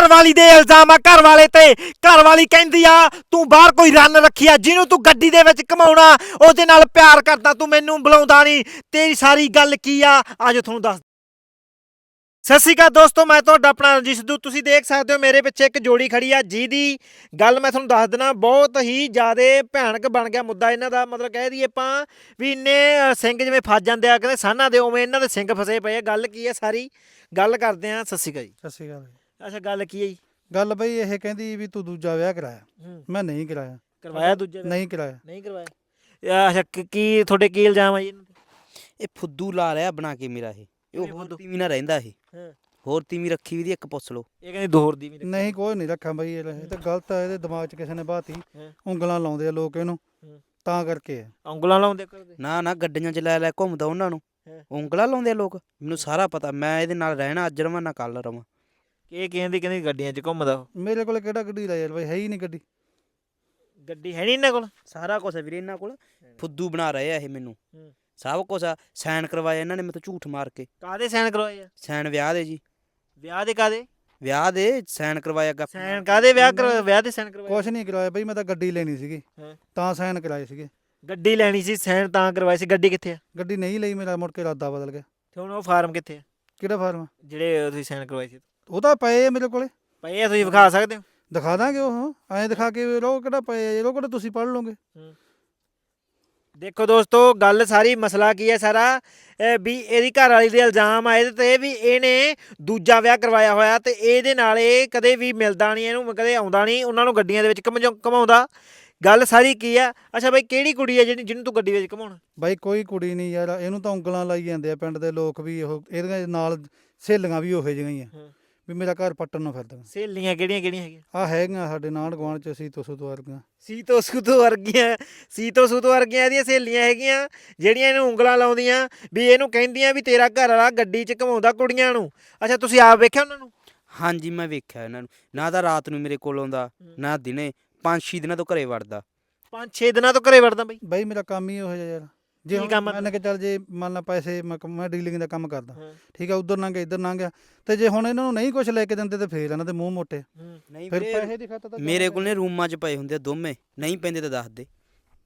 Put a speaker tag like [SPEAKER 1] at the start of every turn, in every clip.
[SPEAKER 1] ਘਰ ਵਾਲੀ ਦੇ ਇਲਜ਼ਾਮ ਆ ਘਰ ਵਾਲੇ ਤੇ। ਘਰ ਵਾਲੀ ਕਹਿੰਦੀ ਆ ਤੂੰ ਬਾਹਰ ਕੋਈ ਰੰਨ ਰੱਖੀ ਆ ਜਿਹਨੂੰ ਤੂੰ ਗੱਡੀ ਦੇ ਵਿੱਚ ਘਮਾਉਣਾ, ਉਹਦੇ ਨਾਲ ਪਿਆਰ ਕਰਦਾ, ਤੂੰ ਮੈਨੂੰ ਬੁਲਾਉਂਦਾ ਨਹੀਂ। ਤੇਰੀ ਸਾਰੀ ਗੱਲ ਕੀ ਆ ਅੱਜ ਤੁਹਾਨੂੰ ਦੱਸ। ਸਤਿ ਸ਼੍ਰੀ ਅਕਾਲ ਦੋਸਤੋ, ਮੈਂ ਤੁਹਾਡਾ ਆਪਣਾ ਰਣਜੀਤ ਸਿੱਧੂ। ਤੁਸੀਂ ਦੇਖ ਸਕਦੇ ਹੋ ਮੇਰੇ ਪਿੱਛੇ ਇੱਕ ਜੋੜੀ ਖੜੀ ਆ ਜਿਹਦੀ ਗੱਲ ਮੈਂ ਤੁਹਾਨੂੰ ਦੱਸ ਦੇਣਾ, ਬਹੁਤ ਹੀ ਜ਼ਿਆਦਾ ਭਿਆਨਕ ਬਣ ਗਿਆ ਮੁੱਦਾ ਇਹਨਾਂ ਦਾ। ਮਤਲਬ ਕਹਿ ਦਈਏ ਆਪਾਂ ਵੀ ਇੰਨੇ ਸਿੰਘ ਜਿਵੇਂ ਫਸ ਜਾਂਦੇ ਆ ਕਹਿੰਦੇ ਸਾਨਾਂ ਦੇ, ਉਵੇਂ ਇਹਨਾਂ ਦੇ ਸਿੰਘ ਫਸੇ ਪਏ ਆ। ਗੱਲ ਕੀ ਹੈ ਸਾਰੀ ਗੱਲ ਕਰਦੇ ਆ। ਸਤਿ ਸ਼੍ਰੀ ਅਕਾਲ ਜੀ।
[SPEAKER 2] ਸਤਿ ਸ਼੍ਰੀ ਅਕਾਲ ਜੀ।
[SPEAKER 1] ਅੱਛਾ ਗੱਲ ਕੀ ਹੈ ਜੀ?
[SPEAKER 2] ਗੱਲ ਬਈ ਇਹ ਕਹਿੰਦੀ ਵੀ ਤੂੰ ਦੂਜਾ ਵਿਆਹ ਕਰਾਇਆ। ਮੈਂ ਨਹੀਂ ਕਰਾਇਆ।
[SPEAKER 1] ਕਰਵਾਇਆ ਦੂਜੇ
[SPEAKER 2] ਨਹੀਂ ਕਰਾਇਆ।
[SPEAKER 1] ਨਹੀਂ ਕਰਵਾਇਆ। ਅੱਛਾ ਕੀ ਤੁਹਾਡੇ ਕੀ ਇਲਜ਼ਾਮ ਆ ਜੀ ਇਹਨਾਂ
[SPEAKER 3] ਇਹ ਫੁੱਦੂ ਲਾ ਰਿਹਾ ਬਣਾ ਕੇ ਮੇਰਾ ਇਹ ਹੋਰ ਤੀਵੀਂ ਨਾਲ ਰਹਿੰਦਾ ਇਹ।
[SPEAKER 1] ਹਾਂ।
[SPEAKER 3] ਹੋਰ ਤੀਵੀਂ ਰੱਖੀ ਵੀ ਦੀ ਇੱਕ ਪੁੱਛ ਲਓ।
[SPEAKER 1] ਇਹ ਕਹਿੰਦੇ ਦੋ ਹੋਰ ਦੀ ਵੀ
[SPEAKER 2] ਨਹੀਂ ਕੋਈ ਨਹੀਂ ਰੱਖਾਂ ਬਈ, ਇਹ ਤਾਂ ਗਲਤ ਆ। ਇਹਦੇ ਦਿਮਾਗ 'ਚ ਕਿਸੇ ਨੇ ਬਾਤੀ ਉਂਗਲਾਂ ਲਾਉਂਦੇ ਆ ਲੋਕ ਇਹਨੂੰ, ਤਾਂ ਕਰਕੇ ਆ।
[SPEAKER 1] ਉਂਗਲਾਂ ਲਾਉਂਦੇ ਕਰਦੇ
[SPEAKER 3] ਨਾ ਗੱਡੀਆਂ 'ਚ ਲੈ ਘੁੰਮਦਾ ਉਹਨਾਂ ਨੂੰ, ਉਂਗਲਾਂ ਲਾਉਂਦੇ ਆ ਲੋਕ। ਮੈਨੂੰ ਸਾਰਾ ਪਤਾ, ਮੈਂ ਇਹਦੇ ਨਾਲ ਰਹਿਣਾ, ਅੱਜ ਰਵਾਂ ਨਾ ਕੱਲ ਰਵਾਂ।
[SPEAKER 1] ਇਹ ਕਹਿੰਦੀ ਗੱਡੀਆਂ 'ਚ ਘੁੰਮਦਾ ਉਹ।
[SPEAKER 2] ਮੇਰੇ ਕੋਲ ਕਿਹੜਾ ਗੱਡੀ ਦਾ ਯਾਰ ਬਈ, ਹੈ ਹੀ ਨਹੀਂ ਗੱਡੀ।
[SPEAKER 1] ਗੱਡੀ ਹੈ ਨਹੀਂ ਇਹਨਾਂ ਕੋਲ।
[SPEAKER 3] ਸਾਰਾ ਕੁਛ ਵੀਰੇ ਇਹਨਾਂ ਕੋਲ। ਫੁੱਦੂ ਬਣਾ ਰਹੇ ਆ ਇਹ ਮੈਨੂੰ, ਸਭ ਕੁਛ ਆ। ਸਾਈਨ ਕਰਵਾਇਆ ਇਹਨਾਂ ਨੇ ਮੇਰੇ ਤੋਂ ਝੂਠ ਮਾਰ ਕੇ।
[SPEAKER 1] ਕਾਹਦੇ ਸਾਈਨ ਕਰਵਾਏ ਆ?
[SPEAKER 3] ਸਾਈਨ ਵਿਆਹ ਦੇ ਜੀ।
[SPEAKER 1] ਵਿਆਹ ਦੇ ਕਾਹਦੇ
[SPEAKER 3] ਵਿਆਹ ਦੇ ਸਾਈਨ ਕਰਵਾਇਆ।
[SPEAKER 1] ਸਾਈਨ ਕਾਹਦੇ ਵਿਆਹ ਦੇ ਸਾਈਨ ਕਰਵਾਏ?
[SPEAKER 2] ਕੁਛ ਨਹੀਂ ਕਰਾਇਆ ਬਈ, ਮੈਂ ਤਾਂ ਗੱਡੀ ਲੈਣੀ ਸੀਗੀ ਤਾਂ ਸਾਈਨ ਕਰਾਏ ਸੀਗੇ।
[SPEAKER 1] ਗੱਡੀ ਲੈਣੀ ਸੀ, ਸਾਈਨ ਤਾਂ ਕਰਵਾਏ ਸੀ। ਗੱਡੀ ਕਿੱਥੇ ਆ?
[SPEAKER 2] ਗੱਡੀ ਨਹੀਂ ਲਈ, ਮੇਰਾ ਮੁੜ ਕੇ ਇਰਾਦਾ ਬਦਲ ਗਿਆ।
[SPEAKER 1] ਤੇ ਹੁਣ ਉਹ ਫਾਰਮ ਕਿੱਥੇ ਆ
[SPEAKER 2] ਕਿਹੜਾ ਫਾਰਮ?
[SPEAKER 1] ਜਿਹੜੇ ਤੁਸੀਂ ਸਾਈਨ ਕਰਵਾਏ ਸੀ?
[SPEAKER 2] ਉਹ ਤਾਂ ਪਏ ਆ ਮੇਰੇ ਕੋਲੇ।
[SPEAKER 1] ਪਏ ਆ, ਤੁਸੀਂ ਵਿਖਾ ਸਕਦੇ ਹੋ?
[SPEAKER 2] ਦਿਖਾ ਦਾਂਗੇ। ਉਹ ਐਂ ਦਿਖਾ ਕੇ ਰੋ ਕਿਹੜਾ ਪਏ ਆ, ਰੋ ਕਿਹੜਾ ਤੁਸੀਂ ਪੜ੍ਹ ਲਓਗੇ।
[SPEAKER 1] ਦੇਖੋ ਦੋਸਤੋ, ਗੱਲ ਸਾਰੀ ਮਸਲਾ ਕੀ ਹੈ ਸਾਰਾ ਵੀ ਇਹਦੀ ਘਰ ਵਾਲੀ ਦੇ ਇਲਜ਼ਾਮ ਆਏ ਤੇ ਵੀ ਇਹਨੇ ਦੂਜਾ ਵਿਆਹ ਕਰਵਾਇਆ ਹੋਇਆ ਤੇ ਇਹਦੇ ਨਾਲ ਇਹ ਕਦੇ ਵੀ ਮਿਲਦਾ ਨਹੀਂ, ਇਹਨੂੰ ਕਦੇ ਆਉਂਦਾ ਨਹੀਂ, ਉਹਨਾਂ ਨੂੰ ਗੱਡੀਆਂ ਦੇ ਵਿੱਚ ਘਮਾਉਂਦਾ। ਗੱਲ ਸਾਰੀ ਕੀ ਆ? ਅੱਛਾ ਬਾਈ, ਕਿਹੜੀ ਕੁੜੀ ਆ ਜਿਹਨੂੰ ਤੂੰ ਗੱਡੀ ਵਿੱਚ ਘਮਾਉਣਾ?
[SPEAKER 2] ਬਾਈ ਕੋਈ ਕੁੜੀ ਨਹੀਂ ਯਾਰ, ਇਹਨੂੰ ਤਾਂ ਉਂਗਲਾਂ ਲਾਈ ਜਾਂਦੇ ਆ ਪਿੰਡ ਦੇ ਲੋਕ ਵੀ। ਉਹ ਇਹਦੇ ਨਾਲ ਸਹੇਲੀਆਂ ਵੀ ਉਹੋ ਜਿਹੀਆਂ ਆ ਵੀ ਮੇਰਾ ਘਰ ਪੱਟਣ ਨੂੰ ਫਿਰਦਾ।
[SPEAKER 1] ਸਹੇਲੀਆਂ ਕਿਹੜੀਆਂ ਹੈਗੀਆਂ?
[SPEAKER 2] ਆ ਹੈਗੀਆਂ ਸਾਡੇ ਨਾਲ ਗੁਆਂਢ ਚ, ਸੀਤੋ ਵਰਗੀਆਂ।
[SPEAKER 1] ਸੀਤੋ ਸੂਤੋ ਵਰਗੀਆਂ ਇਹਦੀਆਂ ਸਹੇਲੀਆਂ ਹੈਗੀਆਂ ਜਿਹੜੀਆਂ ਇਹਨੂੰ ਉਂਗਲਾਂ ਲਾਉਂਦੀਆਂ ਵੀ ਇਹਨੂੰ ਕਹਿੰਦੀਆਂ ਵੀ ਤੇਰਾ ਘਰ ਵਾਲਾ ਗੱਡੀ 'ਚ ਘਮਾਉਂਦਾ ਕੁੜੀਆਂ ਨੂੰ। ਅੱਛਾ ਤੁਸੀਂ ਆਪ ਵੇਖਿਆ ਉਹਨਾਂ ਨੂੰ?
[SPEAKER 3] ਹਾਂਜੀ ਮੈਂ ਵੇਖਿਆ ਇਹਨਾਂ ਨੂੰ। ਨਾ ਤਾਂ ਰਾਤ ਨੂੰ ਮੇਰੇ ਕੋਲ ਆਉਂਦਾ, ਨਾ ਦਿਨੇ। 5-6 ਦਿਨਾਂ ਤੋਂ ਘਰੇ ਵੜਦਾ।
[SPEAKER 1] 5-6 ਦਿਨਾਂ ਤੋਂ ਘਰੇ ਵੜਦਾ ਬਈ?
[SPEAKER 2] ਬਾਈ ਮੇਰਾ ਕੰਮ ਹੀ ਉਹੋ ਜਿਹਾ ਯਾਰ। ਜੇ ਮੰਨ ਕੇ ਚੱਲ, ਜੇ ਮੰਨ ਲਾ ਪੈਸੇ ਮੈਂ ਡੀਲਿੰਗ ਦਾ ਕੰਮ ਕਰਦਾ, ਠੀਕ ਆ, ਉਧਰ ਲੰਘ ਗਿਆ ਇੱਧਰ ਲੰਘ ਗਿਆ, ਤੇ ਜੇ ਹੁਣ ਇਹਨਾਂ ਨੂੰ ਨਹੀਂ ਕੁਝ ਲੈ ਕੇ ਦਿੰਦੇ ਤੇ ਫੇਰ ਇਹਨਾਂ ਦੇ ਮੂੰਹ ਮੋਟੇ।
[SPEAKER 3] ਨਹੀਂ
[SPEAKER 2] ਫਿਰ ਪੈਸੇ ਦੀ ਖਾਤਰ ਤਾਂ
[SPEAKER 3] ਮੇਰੇ ਕੋਲ ਨੇ ਰੂਮਾਂ 'ਚ ਪਏ ਹੁੰਦੇ ਆ ਦੋਵੇਂ। ਨਹੀਂ ਪੈਂਦੇ ਤਾਂ ਦੱਸ ਦੇ।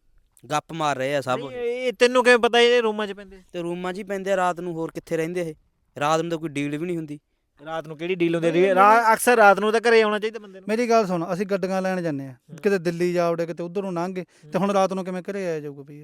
[SPEAKER 3] ਗੱਪ ਮਾਰ ਰਹੇ ਆ ਸਭ।
[SPEAKER 1] ਇਹ ਤੈਨੂੰ ਕਿਵੇਂ ਪਤਾ ਇਹ ਰੂਮਾਂ 'ਚ ਪੈਂਦੇ?
[SPEAKER 3] ਤੇ ਰੂਮਾਂ 'ਚ ਹੀ ਪੈਂਦੇ ਆ ਰਾਤ ਨੂੰ, ਹੋਰ ਕਿੱਥੇ ਰਹਿੰਦੇ ਇਹ? ਰਾਤ ਨੂੰ ਤਾਂ ਕੋਈ ਡੀਲ ਵੀ ਨਹੀਂ ਹੁੰਦੀ।
[SPEAKER 1] ਰਾਤ ਨੂੰ ਕਿਹੜੀ ਡੀਲ ਹੁੰਦੀ? ਅਕਸਰ ਰਾਤ ਨੂੰ ਤਾਂ ਘਰੇ ਆਉਣਾ ਚਾਹੀਦਾ ਬੰਦੇ ਨੂੰ।
[SPEAKER 2] ਮੇਰੀ ਗੱਲ ਸੁਣ, ਅਸੀਂ ਗੱਡੀਆਂ ਲੈਣ ਜਾਂਦੇ ਆ, ਕਿਤੇ ਦਿੱਲੀ ਜਾ ਵੜੇ, ਕਿਤੇ ਉਧਰ ਨੂੰ ਲੰਘ ਗਏ, ਤੇ ਹੁਣ ਰਾਤ ਨੂੰ ਕਿਵੇਂ ਘਰੇ ਆਇਆ ਜਾਊਗਾ ਬਈ?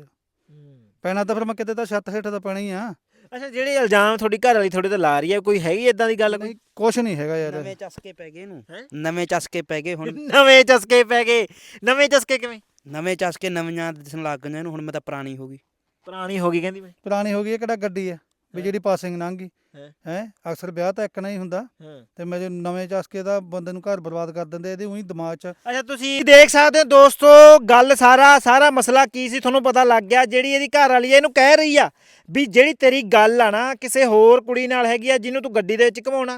[SPEAKER 2] ਪੈਣਾ ਤਾਂ ਫਿਰ ਮੈਂ ਕਿਤੇ ਤਾਂ ਛੱਤ ਹੇਠ ਤਾਂ ਪੈਣਾ ਹੀ ਆ।
[SPEAKER 1] ਅੱਛਾ ਜਿਹੜੇ ਇਲਜ਼ਾਮ ਤੁਹਾਡੀ ਘਰ ਵਾਲੀ ਤੁਹਾਡੇ ਤੇ ਲਾ ਰਹੀ ਹੈ, ਕੋਈ ਹੈਗੀ ਇਦਾਂ ਦੀ ਗੱਲ? ਕੋਈ
[SPEAKER 2] ਕੁਛ ਨਹੀਂ ਹੈਗਾ ਯਾਰ।
[SPEAKER 3] ਨਵੇਂ ਚਸਕੇ ਪੈ ਗਏ ਇਹਨੂੰ, ਨਵੇਂ ਚਸਕੇ ਪੈ ਗਏ ਹੁਣ।
[SPEAKER 1] ਨਵੇਂ ਚਸਕੇ ਪੈ ਗਏ? ਨਵੇਂ ਚਸਕੇ ਕਿਵੇਂ?
[SPEAKER 3] ਨਵੇਂ ਚਸਕੇ ਨਵੀਆਂ ਦਿਸਣ ਲੱਗ ਗਈਆਂ ਇਹਨੂੰ। ਹੁਣ ਮੈਂ ਤਾਂ ਪੁਰਾਣੀ ਹੋ ਗਈ।
[SPEAKER 1] ਪੁਰਾਣੀ ਹੋ ਗਈ ਕਹਿੰਦੀ ਮੈਂ?
[SPEAKER 2] ਪੁਰਾਣੀ ਹੋ ਗਈ। ਇਹ ਕਿਹੜਾ ਗੱਡੀ ਆ ਵੀ ਜਿਹੜੀ ਪਾਸਿੰਗ ਲੰਘ ਗਈ ਹੈ? ਅਕਸਰ ਵਿਆਹ ਤਾਂ ਇੱਕ ਨਾ ਹੀ ਹੁੰਦਾ, ਤੇ ਮੇਰੇ ਨਵੇਂ ਚਸਕੇ ਦਾ ਬੰਦੇ ਨੂੰ ਘਰ ਬਰਬਾਦ ਕਰ ਦਿੰਦੇ ਇਹਦੇ ਉਹੀ ਦਿਮਾਗ 'ਚ।
[SPEAKER 1] ਅੱਛਾ ਤੁਸੀਂ ਦੇਖ ਸਕਦੇ ਹੋ ਦੋਸਤੋ, ਗੱਲ ਸਾਰਾ ਮਸਲਾ ਕੀ ਸੀ ਤੁਹਾਨੂੰ ਪਤਾ ਲੱਗ ਗਿਆ। ਜਿਹੜੀ ਇਹਦੀ ਘਰ ਵਾਲੀ ਇਹਨੂੰ ਕਹਿ ਰਹੀ ਆ ਵੀ ਜਿਹੜੀ ਤੇਰੀ ਗੱਲ ਆ ਨਾ ਕਿਸੇ ਹੋਰ ਕੁੜੀ ਨਾਲ ਹੈਗੀ ਆ ਜਿਹਨੂੰ ਤੂੰ ਗੱਡੀ ਦੇ ਵਿੱਚ ਘਮਾਉਣਾ,